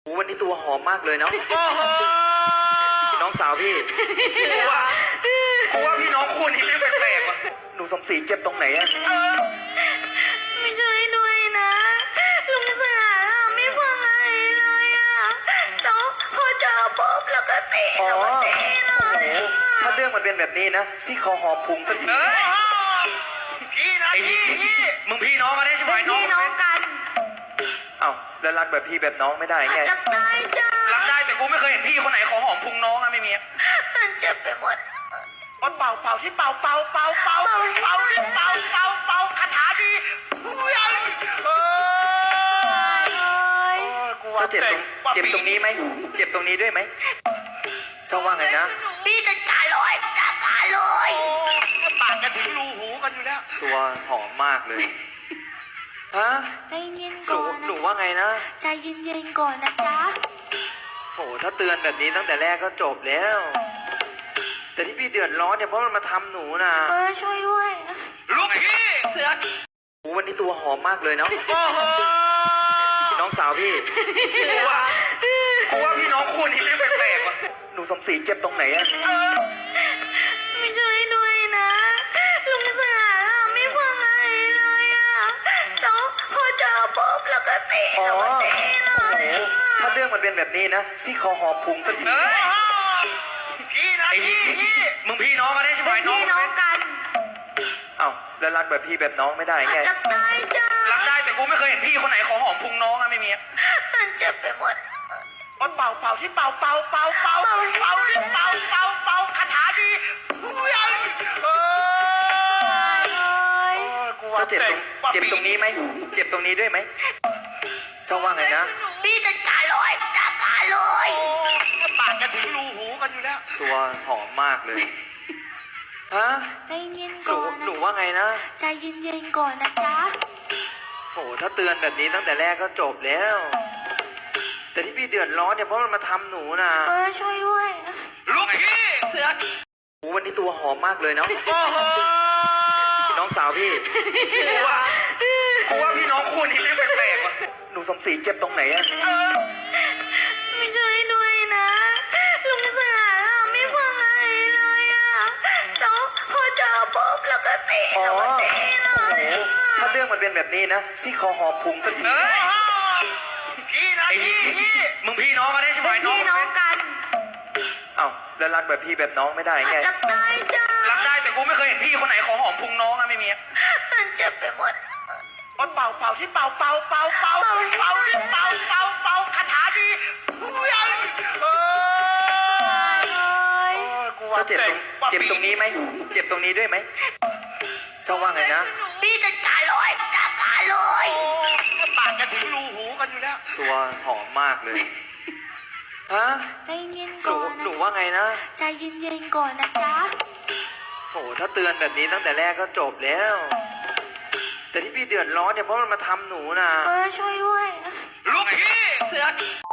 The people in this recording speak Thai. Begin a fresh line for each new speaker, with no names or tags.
วันนี้ตัวหอมมากเลยเนาะ
โอ้โห
น้องสาวพี่
กูว่าพี่น้องคู่นี้ไม่แปลกๆว่ะ
หนูสมศรีเจ็บตรงไหนอะ
ไม่ช่วยด้วยนะ ลุงเสือไม่ฟังอะไรเลยอ่ะแล้วพอเจอปุ๊บแล้วก็เตะ
อ๋อ
แล้วก็เตะเล
โอ้
ย
โหถ้าเรื่องมันเป็นแบบนี้นะพี่ขอหอมพุงสักที
พี่นะพี่
มึงพี่น้องกันได้ใช่ไหม
เป็น
น้อง
พี่น้องกัน
เอ้าแล้วรักแบบพี่แบบน้องไม่ได้ไง
รักได้จ้า
รักได้แต่กูไม่เคยเห็นพี่คนไหนขอหอมพุงน้องอะไม่มีอะ
มันเจ็บไปหมด
เป่าเป่าที่เป่าเป่าเป่าเป่าเป่าที่เป่าเป่าเป่าคาถาดีกูว่า
เจ็บตรงนี้ไหมเจ็บตรงนี้ด้วยไหมเจ้าว่าไงนะ
พี่จัดการเลยจัดการเลย
ปากจะถึงรูหูกันอยู่แล้ว
ตัวหอมมากเลยฮะ
ใจเย็น
หนู
ก่อน
หนูว่าไงนะ
ใจเย็นๆก่อนนะจ๊ะ
โหถ้าเตือนแบบนี้ตั้งแต่แรกก็จบแล้ว แต่ที่พี่เดือดร้อนเนี่ยเพราะมันมาทำหนูนะ
ช่วยด้วย
ลูกพี่เสือ
วันนี้ตัวหอมมากเลยเนาะ
โอ้โห
น้องสาวพี่
กูว่าพี่น้องคู่นี้ไม่แปลกๆว่ะ
หนูสมศรีเจ็บตรงไหนอะ
ไม่ช่วยด้วยนะ ลุงเสือไม่ฟังอะไรเลยอ่ะแล้วพอเจอปุ๊บแล้วก็เตะ
อ๋อ
แล้วก็เตะเล
โอ้โห
ย
ถ้าเรื่องมันเป็นแบบนี้นะพี่ขอหอมพุงสักที
พี่นะพี่
มึงพี่น้องกันได้ใช่ไหม
เป็น
น้อง
พี่น้องกัน
เอ้าแล้วรักแบบพี่แบบน้องไม่ได้ไง
รักได้จ้า
รักได้แต่กูไม่เคยเห็นพี่คนไหนขอหอมพุงน้องอะไม่มีอะ
มันเจ็บไปหมด
เป่าเป่าที่เป่าเป่าเป่าเป่าเป่าที่เป่าเป่าเป่าคาถาดีกูว่า
เจ้าเจ็บตรงนี้ไหมเจ็บตรงนี้ด้วยไหมเจ้าว่าไงนะ
พี่จัดการเลยจัดการเลย
ปากจะถึงรูหูกันอยู่แล้ว
ตัวหอมมากเลยฮะ
ใจเย็น
หนู
ก่อน
หนูว่าไงนะ
ใจเย็นๆก่อนนะจ๊ะ
โหถ้าเตือนแบบนี้ตั้งแต่แรกก็จบแล้ว แต่ที่พี่เดือดร้อนเนี่ยเพราะมันมาทำหนูนะ
ช่วยด้วย
ลูกพี่เสือ
วันนี้ตัวหอมมากเลยเนาะ
โอ้โห
น้องสาวพี่
กูว่าพี่น้องคู่นี้ไม่แปลกๆว่ะ
หนูสมศรีเจ็บตรงไหนอะ
ไม่ช่วยด้วยนะ ลุงเสือไม่ฟังอะไรเลยอ่ะแล้วพอเจอปุ๊บแล้วก็เตะ
อ๋อ
แล้วก็เตะเล
โอ้โห
ย
ถ้าเรื่องมันเป็นแบบนี้นะพี่ขอหอมพุงสักที
พี่นะพี่
มึงพี่น้องกันได้ใช่ไหม
เป็น
น้อง
พี่น้องกัน
เอ้าแล้วรักแบบพี่แบบน้องไม่ได้ไง
รักได้จ้า
รักได้แต่กูไม่เคยเห็นพี่คนไหนขอหอมพุงน้องอะไม่มีอะ
มันเจ็บไปหมด
เป่าเป่าที่เป่าเป่าเป่าเป่าเป่าที่เป่าเป่าเป่าคาถาดีกูว่า
เจ้าเจ็บตรงนี้ไหมเจ็บตรงนี้ด้วยไหมเจ้าว่าไงนะ
พี่จัดการเลยจัดการเลย
ปากจะถึงรูหูกันอยู่แล้ว
ตัวหอมมากเลยฮะ
ใจเย็น
หนู
ก่อน
หนูว่าไงนะ
ใจเย็นๆก่อนนะจ๊ะ
โหถ้าเตือนแบบนี้ตั้งแต่แรกก็จบแล้ว แต่ที่พี่เดือดร้อนเนี่ยเพราะมันมาทำหนูนะ
ช่วยด้วย
ลูกพี่เสือ